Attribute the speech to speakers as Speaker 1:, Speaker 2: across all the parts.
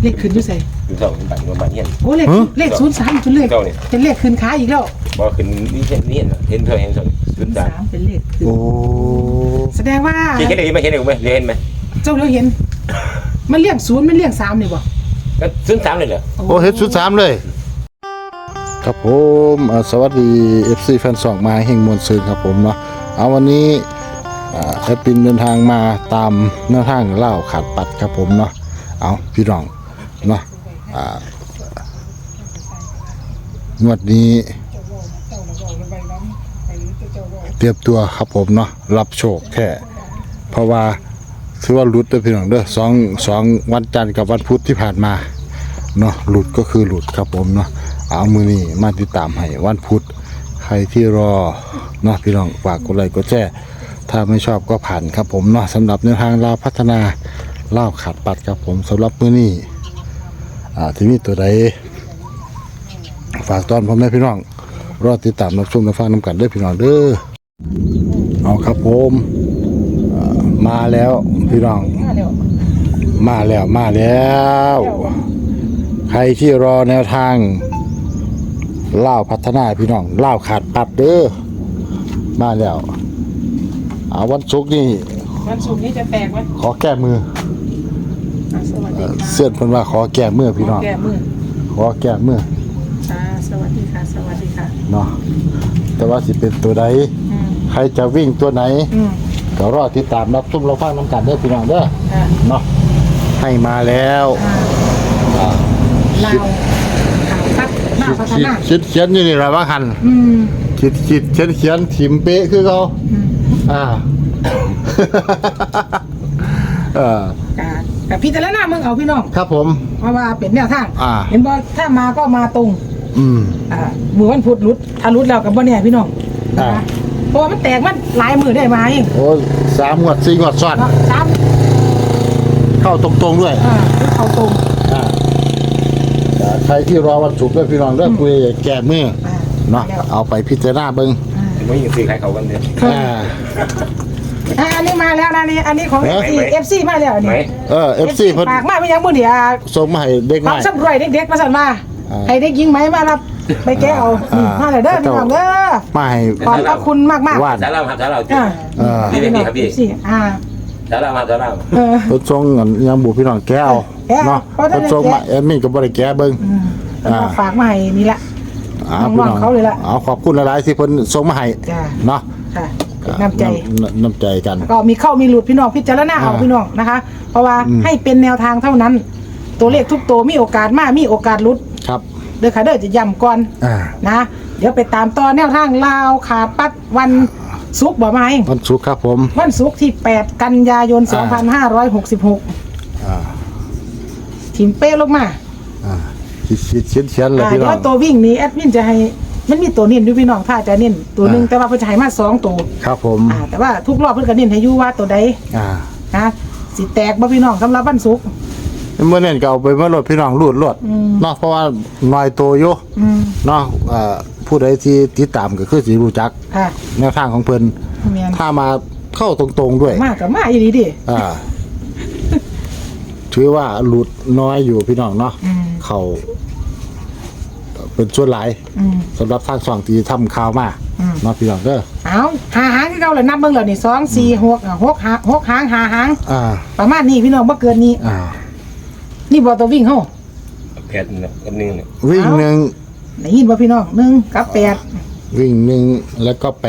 Speaker 1: เลขขึ้นอยู่ใส่
Speaker 2: คือ2บัตรเฮียน
Speaker 1: โอ้เลข03จนเลขเป็นเลขขึ้นค้าอีกแล้ว
Speaker 2: บ่ขึ้นนี่เห็นเท่าเห็น03
Speaker 1: เป็นเลขขึ้น
Speaker 3: โอ้
Speaker 1: แสดงว่า
Speaker 2: เห็นได้มั้ยเห็นไหม
Speaker 1: เจ้าเราเห็นมันเรียก0มันเรียก3นี่บ่
Speaker 2: ก็03เลยเหรอ
Speaker 3: โอ้เฮ็ดชุด3เลยครับผมสวัสดี FC แฟน2มาแห่งมวลซื่นครับผมเนาะเอาวันนี้แอดปินเดินทางมาตามแนวทางเล่าขาดปัดครับผมเนาะเอาพี่น้องเนาะงวดนี้เตรียมตัวครับผมเนาะรับโชคแท้เพราะว่าถือว่าหลุดเด้อพี่น้องเด้อสองวันจันทร์กับวันพุธที่ผ่านมาเนาะหลุดก็คือหลุดครับผมเนาะเอามือนี้มาติดตามให้วันพุธใครที่รอเนาะพี่น้องฝากกดไลค์กดแชร์ถ้าไม่ชอบก็ผ่านครับผมเนาะสำหรับแนวทางลาวพัฒนาเล่าขาดปัดครับผมสำหรับมือนี้ที่มีตัวใดฝากตอนพ่อแม่พี่น้องรอติดตามรับชมรับฟังนำกันด้วยพี่น้องเด้อเอาครับผมมาแล้วพี่น้องมาแล้วใครที่รอแนวทางเล่าพัฒนาพี่น้องเล่าขาดปัดเด้อมาแล้ววันศุกร์นี่
Speaker 1: วันศุกร์นี้จะแตกไหม
Speaker 3: ขอแก้มือ
Speaker 1: สวัสดีค่ะ
Speaker 3: เสื้อเพิ่นว่าขอแก้มือพี่น้อง
Speaker 1: แก้มือ
Speaker 3: ขอแก้มือ
Speaker 1: สวัสดีค่ะสวัสดีค่ะ
Speaker 3: เนาะแต่ว่าสิเป็นตัวใดใครจะวิ่งตัวไหนก็รอติดตามรับชมรับฟังน้ำกันเด้อพี่น้องเด้อเนาะให้มาแล้ว
Speaker 1: ลาวข่าวพัฒนา
Speaker 3: คิดเขียนอยู่นี่ล่ะว่าหั่นคิดเขียนถิ่มเป๊ะคือเขา
Speaker 1: กับพี่แต่ละหน้ามึงเอาพี่น้อง
Speaker 3: ครับผม
Speaker 1: เพราะว่าเป็นแนวทางเห็นบ่ถ้ามาก็มาตรงมือวันพุธรุดถ้ารุดแล้วกับบ่แน่พี่น้องเพราะว่ามันแตกมันหลายมือได้มาเอง
Speaker 3: โอ้3 งวด 4 งวดซ้อนเข้าตรงๆด้วย
Speaker 1: เข้าตรง
Speaker 3: ใครที่รอวันศุกร์ด้วยพี่น้องเด้อคุยแก้มือเนาะเอาไปพิจารณาเบิ่ง
Speaker 2: บ่ยิงซื้อขายเขากันเด้
Speaker 1: อันนี้มาแล้วนะนี่อันนี้ของ FC มาแล้วนี่
Speaker 3: FC เพิ่น
Speaker 1: ฝากมาไม่ยังมื้อนี้
Speaker 3: ส่งมาให้เด็กใหม่
Speaker 1: สำรวยเด็กๆมาสั่นมาให้เด็กหญิงไหมมารับไปแก้เอามาเลยเด้อพี่น้องเด้อ
Speaker 3: มาให้
Speaker 1: ขอบพระคุณมาก
Speaker 2: ๆสาราครับสารานี่ครับพี่สารามาสารา
Speaker 3: เพิ่นส่งยังบุพี่น้องแก้เอาเนาะเพิ่นส่งมาแอดมินก็บ่ได้แก้เบิ่ง
Speaker 1: ฝากมาให้นี่แหละน้องๆเขาเลยล่ะ
Speaker 3: ขอบคุณหลายๆที่เพิ่นส่งมาให้เนาะ
Speaker 1: น้ำ
Speaker 3: ใจกัน
Speaker 1: ก็มีเข้ามีหลุดพี่น้องพิจารณาเอาพี่น้องนะคะเพราะว่าให้เป็นแนวทางเท่านั้นตัวเลขทุกตัวมีโอกาสมากมีโอกาสหลุด
Speaker 3: ครับ
Speaker 1: เด้อค่ะเด้อจะย้ำก่อนนะเดี๋ยวไปตามต่อแนวทางลาวขาดปัดวันศุกร์บ่ไหม
Speaker 3: วันศุกร์ครับผม
Speaker 1: วันศุกร์ที่8 กันยายน 2566ทีมเป้ลงมา
Speaker 3: เขียนเลยพี่น้อง
Speaker 1: ตัววิ่งนี้แอดมินจะให้มันมีตัวเน้นด้วยพี่น้องถ้าจะเน้นตัวนึงแต่ว่าเพิ่นจะให้มา2ตัว
Speaker 3: ครับผม
Speaker 1: แต่ว่าทุกรอบเพิ่นก็เน้นให้อยู่ว่าตัวใดนะสิแตกบ่พี่น้องสำหรับวันศุกร์
Speaker 3: เมื่อเน้นก็เอาไปเมื่อรถพี่น้องรูดเนาะเพราะว่าน้อยตัวอยู่เนาะผู้ใดที่ติดตามก็คือสิรู้จักแนวทางของเพิ่นถ้ามาเข้าตรงๆด้วย
Speaker 1: มากก็มาอีหลีดิ
Speaker 3: ถือว่าหลุดน้อยอยู่พี่น้องเนาะเขาเป็นส่วนหลายสำหรับทางสองที่ทำข่าวมาเนาะพี่น้องเด้อ
Speaker 1: เอาหาหางที่เราเลยนับเบิ่งแล้วนี่2 4 6 6หาง5หางประมาณนี้พี่น้องบ่เกินนี้นี่บ่ตัววิ่งเฮา
Speaker 2: 8กับ1
Speaker 3: วิ่ง1
Speaker 1: ได้ยินบ่พี่น้อง1กับ8
Speaker 3: วิ่ง1แล้วก็8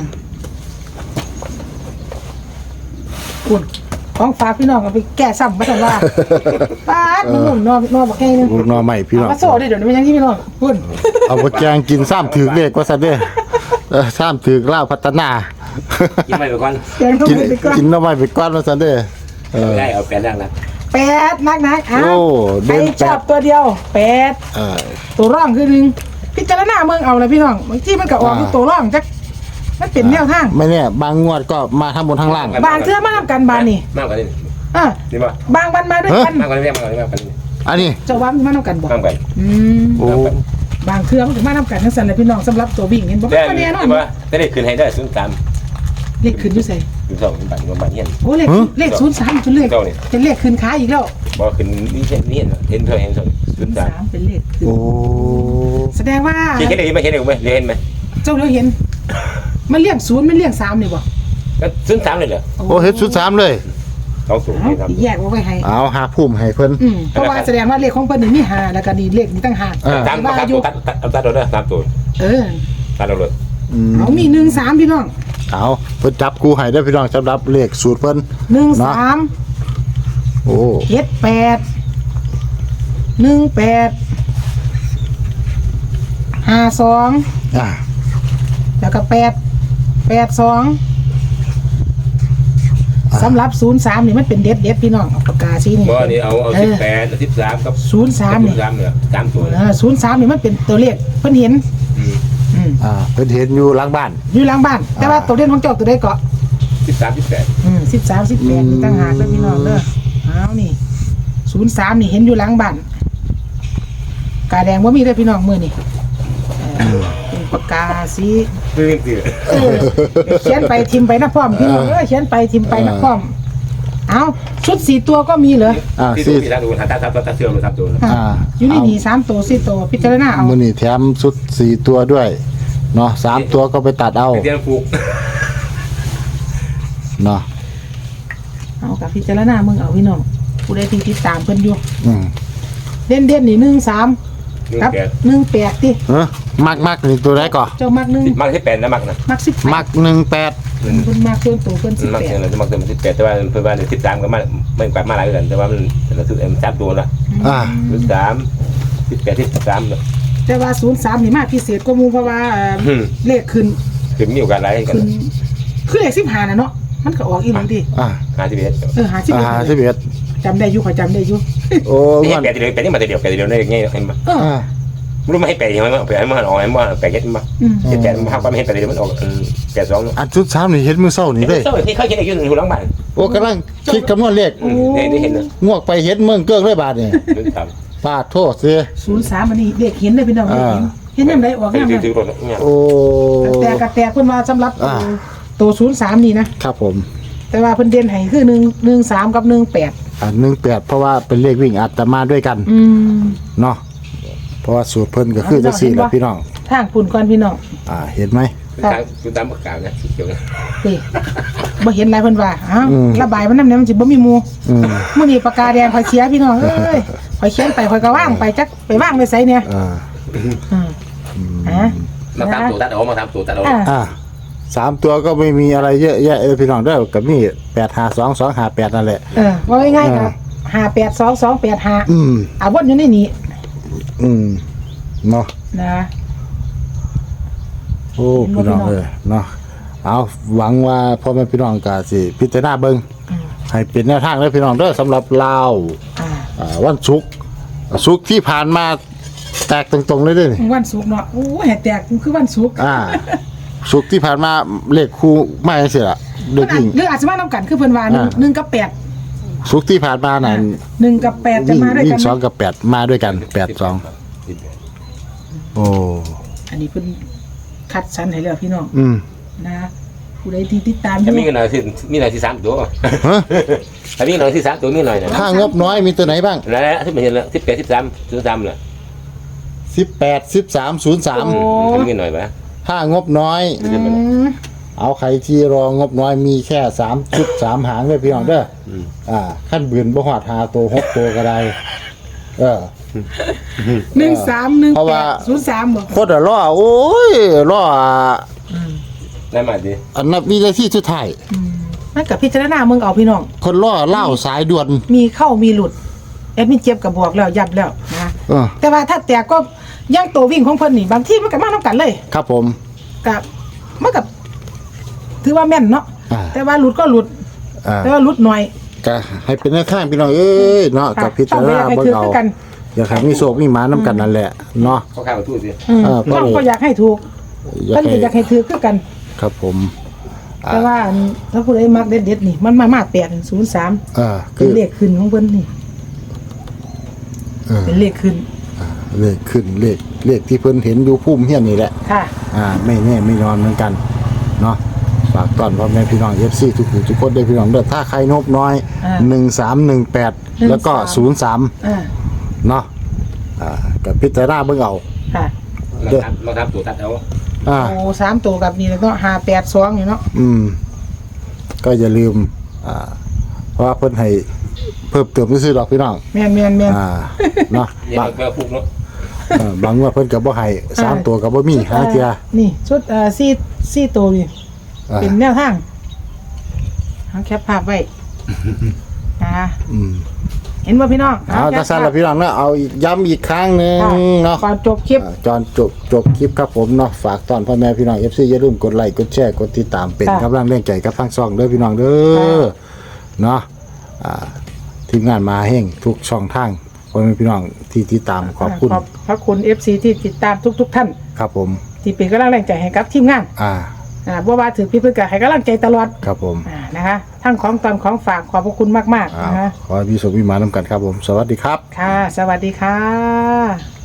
Speaker 1: คุณของฝากพี่น้องเอาไปแก้ซ้ำมาซั่นว่าป๊าดนุ่มๆนอบ่แค่นึง
Speaker 3: นอใหม่พี่น้อง
Speaker 1: มาโซ่ได้เดี๋ยวนี้มันยังที่พี่น้องคุณ
Speaker 3: เอาไปแกงกินซ้ำถือเลขว่าซั่นเด้อซ้ำถือลาวพัฒนา
Speaker 2: กินไปก่อน
Speaker 3: กินนอใหม่ไปก่อนว่าซั่นเด้อ
Speaker 2: ได้เอา8อย่างนะ
Speaker 1: 8นักๆ
Speaker 3: โอ้
Speaker 1: เด่นชอบตัวเดียว8ตัวร่องคือ1พิจารณาเมืองเอาเลยพี่น้องบางทีมันก็ออกตัวร่องจักมันเป็นแนวทาง
Speaker 3: ไม่เนี่ยบางงวดก็มาทั้งบนทั้งล่าง
Speaker 1: บางเทื่อมาทำกันบานนี่
Speaker 2: มากกว่านี้
Speaker 1: นี่ป่ะบางวันมาด้วยกัน
Speaker 2: มากกว่านี้
Speaker 3: อันนี้
Speaker 1: จะว่ามาทำกันบ่บางเทื่อมันถึงมาทำกันทั้งสันเลยพี่น้องสำหรับตัววิ่งเห็นบ่
Speaker 2: ได้แน่นอนได้ขึ้นให้ได้03
Speaker 1: เลขขึ้นอยู่ใส่
Speaker 2: อยู่เจ้าเป็นบ้านบ้านเฮียน
Speaker 1: โอ้เลข03เป็นเลขเป็นเลขขึ้นค้าอีกแล้ว
Speaker 2: บ่ขึ้นนี่เห็นเท่า03
Speaker 1: เป็นเลขขึ้น
Speaker 3: โอ้
Speaker 1: แสดงว่า
Speaker 2: เห็นได้ไหมเห็นไหม
Speaker 1: เจ้าเราเห็นมันเรียก0มันเรียก3นี่บ่
Speaker 2: ก็03เลยเหรอ
Speaker 3: โอ้เฮ็ดชุด3เลย
Speaker 2: 20ให้ทำ
Speaker 1: แยกไว้ให้
Speaker 3: เอาหาพุ่มให้เพิ่น
Speaker 1: เพราะว่าแสดงว่าเลขของเพิ่นนี่มี5แล้วก็นี่เลขนี่ตั้ง5
Speaker 2: ตามตัดเราได้ตามตัว ตัดเราเลย
Speaker 1: เอามี1 3พี่น้อง
Speaker 3: เอาเพิ่นจับกูให้ได้อพี่น้องสำหรับเลขสูตรเพิ่น
Speaker 1: 1 3
Speaker 3: โอ้
Speaker 1: 7 8 1 8 5 2
Speaker 3: อ่า
Speaker 1: แล้วก็8 2สำหรับ03นี่มันเป็นเด็ดพี่น้องปากกาสีนี่
Speaker 2: บ่นี่เอา18 13กับ
Speaker 1: 03นี่
Speaker 2: 03เนี่ย3ตัว
Speaker 1: 03นี่มันเป็นตัวเลขเพิ่นเห็น
Speaker 3: เพิ่นเห็นอยู่หลังบ้าน
Speaker 1: อยู่หลังบ้านแต่ว่าตัวเด่นของเจ้าตัวใดเกาะ
Speaker 2: 13 18
Speaker 1: 13 18นี่ตั้งหากเด้อพี่น้องเด้อเอานี่03นี่เห็นอยู่หลังบ้านกาแดงบ่มีเด้อพี่น้องมื้อนี่เป็นปากกาสี
Speaker 2: คือ
Speaker 1: เขียนไปทิมไปนะพร้อมพี่น้องเขียนไปทิมไปนะพร้อมเอาชุด4ตัวก็มีเหรอ
Speaker 2: ที่ดูที่ดูตัดเสื้อมา3ตัว
Speaker 1: อยู่ในนี่3ตัว4ตัวพิจารณาเอา
Speaker 3: มื้อนี้แถมชุด4ตัวด้วยเนาะ3ตัวก็ไปตัดเอา
Speaker 2: เตียนผูก
Speaker 3: เนาะ
Speaker 1: เอากับพิจารณามึงเอาพี่น้องผู้ใดที่ติดตามเพิ่นอยู่
Speaker 3: อืม
Speaker 1: เด่นนี่13ครับ18ติ
Speaker 3: มักนี่ตัวใดก่อ
Speaker 1: เจ้ามัก1
Speaker 2: มักที่8นะมักนะ
Speaker 1: มัก10
Speaker 3: มัก18
Speaker 1: เพิ่นมักเพิ่นตัวเพิ่น
Speaker 2: มักเนี่ยเราจะมักเติม18แต่ว่าเพิ่นว่า13ก็มาไม่กว่ามาหลายกันแต่ว่ามันเราซื้อ3ตัวละ 13 18 13เนาะ
Speaker 1: แต่ว่า03นี่มาพิเศษกว่าหมู่เพราะว่าเลขขึ้น
Speaker 2: คือมีโอกาสหลายกัน
Speaker 1: ขึ้นคือเลข15น่ะเนาะมันก็ออกอีหลีดิ
Speaker 2: 51
Speaker 1: 51จำได้อยู่ข่อยจำได้อยู่
Speaker 3: โอ้
Speaker 2: นี่
Speaker 3: มัน
Speaker 2: 8เดียว8นี่มาเดียว8เดียวได้ไงเห็นบ่รู้ไม่ให้8ยังไงมั้ง8มันออกให้มัน8เก็ตมั้ง78มันภาพไม่ให้8เดียวมันออก82เนาะ
Speaker 3: อันชุด3นี่เห็นมื้อเช้านี่เด้
Speaker 2: เจ้าที่เขาเขียนอยู่อยู่หลังบ้าน
Speaker 3: โอ้กำลังคิดคำนวณเลข
Speaker 2: ได้เห็นนะ
Speaker 3: งวกไปเห็นเมืองเกิ้งเลยบาดนี่
Speaker 2: 13
Speaker 3: ฟาดโทษสิ
Speaker 1: 03อันนี้เด็กเห็นได้พี่น้องเห็นยามใดออกยามนั้น
Speaker 2: ถือรถเนี่ย
Speaker 3: โอ้
Speaker 1: แต่กระแตเพิ่นว่าสำหรับตัว03นี่นะครับ
Speaker 3: ผม
Speaker 1: แต่ว่าเพิ่นเด่นให้คือ13กับ18
Speaker 3: 18เพราะว่าเป็นเลขวิ่งอาตมาด้วยกันเนาะเพราะว่าสูตรเพิ่นก็คือจังซี่แหละพี่น้อง
Speaker 1: ทางปุ่นก่อนพี่น้อง
Speaker 3: เห็นไหม
Speaker 2: คือตามปากกาเนี่ยเขียว
Speaker 1: นี่บ่เห็นหลายเพิ่นว่าอ้าวระบายมันนำเนี่ยมันสิบ่มีหมู่มื้อนี้ปากกาแดงข่อยเสียพี่น้องเอ้ยข่อยเขียนไปข่อยก็ว่างไปจักไปว่างไว้ไสเนี่ย
Speaker 2: มาตามตัวตัดเอามาตามตัวตัดเอา
Speaker 3: 3ตัวก็ไม่มีอะไรเยอะแยะพี่น้องเด้อกับนี่852258นั่นแหละ
Speaker 1: ว่าง่ายๆครับ582285วนอยู่ในนี้
Speaker 3: เนาะ
Speaker 1: นะ
Speaker 3: โอ้พี่น้องเนาะเอาหวังว่าพ่อแม่พี่น้องก็สิพิจารณาเบิ่งให้เป็นแนวทางเด้อพี่น้องเด้อสำหรับลาววันศุกร์ที่ผ่านมาแตกตรงๆเลยเด้อ
Speaker 1: วันศุกร์เนาะโอ้ยแตกคือวันศุกร์
Speaker 3: ศุกร์ที่ผ่านมาเลขคู่มาจังซี่ล่ะเด็กหญิง
Speaker 1: หรืออาจจะมานำกันคือเพิ่นว่า1กับ8
Speaker 3: ศุกร์ที่ผ่านมานั่น
Speaker 1: 1กับ8จะมาด้วยกัน
Speaker 3: 2กับ8มาด้วยกัน82โอ้
Speaker 1: อันนี้เพิ่นคัดสรรให้แล้วพี่น้องนะผู้ใดที่ติดตาม
Speaker 2: มีกันหน่อยสิมีหน่อยที่3ตัวถ้ามีหน่อยที่3ตัวมีหน่อยนะ
Speaker 3: ถ้างบน้อยมีตัวไหนบ้าง
Speaker 2: นั่นแหละที่มันเห็นแล้ว18 13 03น่ะ
Speaker 3: 18 13 03
Speaker 2: มีหน่อยป่ะ
Speaker 3: ถ้างบน้อยเอาใครที่รองบน้อยมีแค่3ชุด3หางเลยพี่น้องเด้อขั้นบืนบ่ฮอด5ตัว6ตัวก็ได้
Speaker 1: 131803บ่
Speaker 3: โคตรล้อโอ้ยล้อ
Speaker 2: ได้มาดิ
Speaker 3: อันนับวินาทีสุดท้าย
Speaker 1: มันกับพิจารณามึงเอาพี่น้อง
Speaker 3: คนล้อเล่าสายด่วน
Speaker 1: มีเข้ามีหลุดแอดมินเจ็บกับบอกแล้วยับแล้วนะแต่ว่าถ้าแตกก็ย่างตัววิ่งของเพิ่นนี่บางที่มันก็มานํกันเลย
Speaker 3: ครับผม
Speaker 1: กับมันกับถือว่าแม่นเนาะแต่ว่าหลุดก็หลุดแต่ว่าหลุดหน่อย
Speaker 3: ก็ให้เป็นแนวทางพี่น้องเอ้ยเนาะกับพิจารณาเบิ่งเอาอยากให้มีโชคมีหมานํกันนั่นแหละเนาะ
Speaker 2: เขาข้าวทู่สิ
Speaker 1: น้องก็อยากให้ถูกเพิ่นก็อยากให้ถือคือกัน
Speaker 3: ครับผม
Speaker 1: แต่ว่าถ้าผู้ใดมักเด็ดๆนี่มันมา803เป็นเลขขึ้นของเพิ่นนี่เป็นเลขขึ้น
Speaker 3: เลขขึ้นเลขที่เพิ่นเห็นอยู่พุ่มเฮียนนี่แหละ
Speaker 1: ค่ะ
Speaker 3: ไม่แน่ไม่นอนเหมือนกันเนาะฝากต้อนพ่อแม่พี่น้อง FC ทุกผู้ทุกคนได้พี่น้องเด้อถ้าใครนบน้อย1318แล้วก็03เนาะกับพิจารณาเบิ่งเอา
Speaker 1: ค่ะ
Speaker 2: เราทำตัวตัดเอา
Speaker 1: โอ้3ตัวกับนี่แล้วก็582อยู่เนาะ
Speaker 3: ก็อย่าลืมเพราะว่าเพิ่นให้เพิ่มเติมซื่อๆดอกพี่น้อง
Speaker 1: แม่น
Speaker 3: เนาะ
Speaker 2: บางก็ฟุกเนาะ
Speaker 3: บางว่าเพิ่นก็บ่ให้3ตัวก็บ่มีหาเที่ย
Speaker 1: นี่ชุด4ตัวนี่เป็นแนวทางแคปภาพไว้เห็นบ่พี่น้อง
Speaker 3: เอาจังซั่นล่ะพี่น้องเนาะเอาอีกย้ำอีกครั้งนึงเนาะ
Speaker 1: ก่อนจบคลิป
Speaker 3: จบคลิปครับผมเนาะฝากตอนพ่อแม่พี่น้อง FC อย่าลืมกดไลค์กดแชร์กดติดตามเป็นกำลังแรงใจกับทางช่องเด้อพี่น้องเด้อเนาะทีมงานมาแห่งทุกช่องทางพ่อแม่พี่น้องที่ติดตามขอบ
Speaker 1: คุณ FC ที่ติดตามทุกท่าน
Speaker 3: ครับผม
Speaker 1: ที่เป็นกำลังแรงใจให้กับทีมงานบ่ว่าถือพี่เพิ่นก็ให้กำลังใจตลอด
Speaker 3: ครับผม
Speaker 1: นะคะทั้งของตอนของฝากขอบพระคุณมากๆนะคะ
Speaker 3: ขอให้มีสุขมีหมานำกันครับผมสวัสดีครับ
Speaker 1: ค่ะสวัสดีค่ะ